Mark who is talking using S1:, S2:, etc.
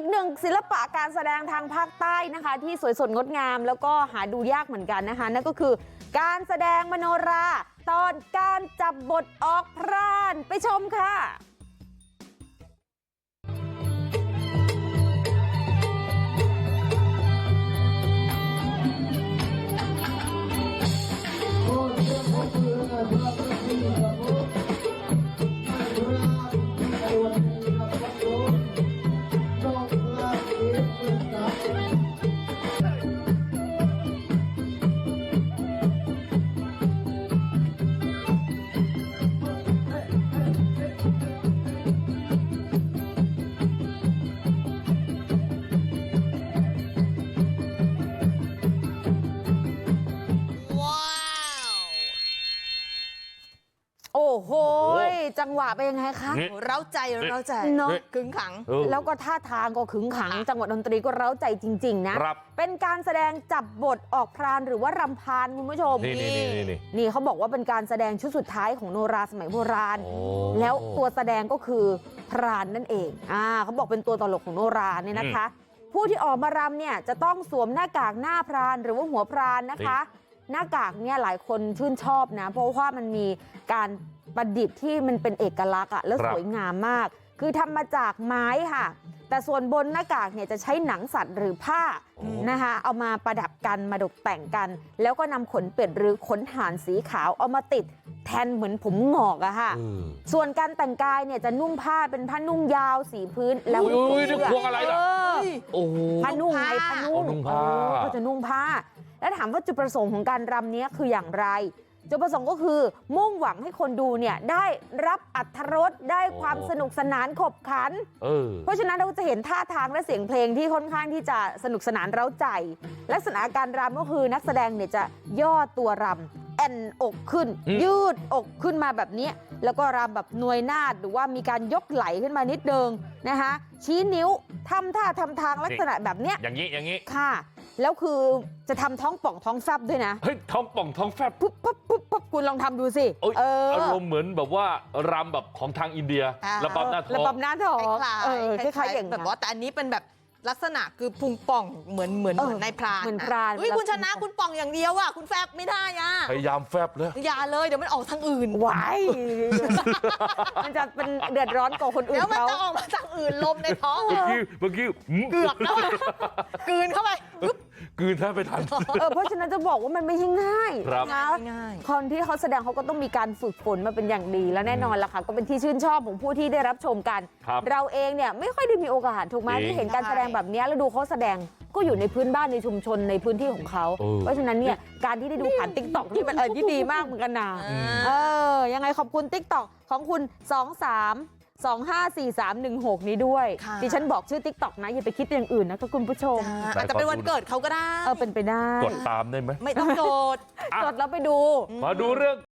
S1: กหนึ่งศิลปะการแสดงทางภาคใต้นะคะที่สวยสดงดงามแล้วก็หาดูยากเหมือนกันนะคะนั่นก็คือการแสดงมโนราตอนการจับบทออกพรานไปชมค่ะโอ้โหจังหวะเป็นยังไงคะ
S2: เร้าใจเนาะขึงขัง
S1: แล้วก็ท่าทางก็ขึงขังจังหวะดนตรีก็เร้าใจจริงๆนะเป็นการแสดงจับบทออกพรานหรือว่ารำพานคุณผู้ชมนี่เขาบอกว่าเป็นการแสดงชุดสุดท้ายของโนราสมัยโบราณแล้วตัวแสดงก็คือพรานนั่นเองเขาบอกเป็นตัวตลกของโนราเนี่ยนะคะผู้ที่ออกมารำเนี่ยจะต้องสวมหน้ากากหน้าพรานหรือว่าหัวพรานนะคะหน้ากากเนี่ยหลายคนชื่นชอบนะเพราะว่ามันมีการประดิษฐ์ที่มันเป็นเอกลักษณ์แล้วสวยงามมากคือทำมาจากไม้ค่ะแต่ส่วนบนหน้ากากเนี่ยจะใช้หนังสัตว์หรือผ้านะคะเอามาประดับกันมาตกแต่งกันแล้วก็นำขนเป็ดหรือขนห่านสีขาวเอามาติดแทนเหมือนผมงอกอะค่ะส่วนการแต่งกายเนี่ยจะนุ่งผ้าเป็นผ้านุ่งยาวสีพื้นแล้ว
S3: นี่พวงอะไรล่ะ
S1: ผ้านุ่งไงผ้านุ่งก็จะนุ่งผ้าแล้วถามว่าจุดประสงค์ของการรำนี้คืออย่างไรจุดประสงค์ก็คือมุ่งหวังให้คนดูเนี่ยได้รับอรรถรสได้ความสนุกสนานขบขันเพราะฉะนั้นเราจะเห็นท่าทางและเสียงเพลงที่ค่อนข้างที่จะสนุกสนานเร้าใจลักษณะการรำก็คือนักแสดงเนี่ยจะย่อตัวรำแอนอกขึ้นยืดอกขึ้นมาแบบนี้แล้วก็รำแบบนวยนาฏหรือว่ามีการยกไหล่ขึ้นมานิดนึงนะคะชี้นิ้วทำท่าทำทางลักษณะแบบเนี้ย
S3: อย่างนี้
S1: ค่ะแล้วคือจะทำท้องป่องท้องแฟบด้วยนะ
S3: เฮ้ยท้องป่องท้องแฟบ
S1: ปุ๊บคุณลองทำดูสิ
S3: อารมณ์เหมือนแบบว่ารำแบบของทางอินเดียระบำหน้าท้อง
S1: ระบำหน้าท้อง
S2: คล้ายๆอย่างแบบว่าแต่อันนี้เป็นแบบลักษณะคือพุงป่องเหมือนในพราน
S1: เหมือนพราน
S2: คุณชนะคุณป่องอย่างเดียวอ่ะคุณแฟบไม่ได้อ่ะ
S3: พยายามแฟบเลย
S2: อย่าเลยเดี๋ยวมันออกทางอื่น
S1: ไว้มันจะเป็นเดือดร้อนกว่าคนอื่น
S2: แล้วมันจะออกมาทางอื่นลมในท้อง
S3: เมื่อกี้
S2: เกือบแล้วกลืนเข้าไป
S3: กลืนแทบไม่ทัน
S1: เพราะฉะนั้นจะบอกว่ามันไม่ใช่ง่าย
S2: นะ
S1: คนที่เขาแสดงเขาก็ต้องมีการฝึกฝนมาเป็นอย่างดีแล้วแน่นอนล่ะค่ะก็เป็นที่ชื่นชอบของผู้ที่ได้รับชมกันเราเองเนี่ยไม่ค่อยได้มีโอกาสถูกไหมที่เห็นการแสดงแบบนี้แล้วดูเขาแสดงก็อยู่ในพื้นบ้านในชุมชนในพื้นที่ของเขาเพราะฉะนั้นเนี่ยการที่ได้ดูผ่าน TikTok นี่เป็นอะไรที่ดีมากเหมือนกันนะยังไงขอบคุณ TikTok ของคุณ23254316นี้ด้วยดิฉันบอกชื่อ TikTok นะอย่าไปคิดอย่างอื่นนะก็คุณผู้ชม
S2: อาจจะเป็นวันเกิดเขาก็ได้
S1: เป็นไปได้
S3: กดตามได้ไหม
S2: ไม่ต้องโดด
S1: กดแล้วไปดู
S3: มาดูเรื่อง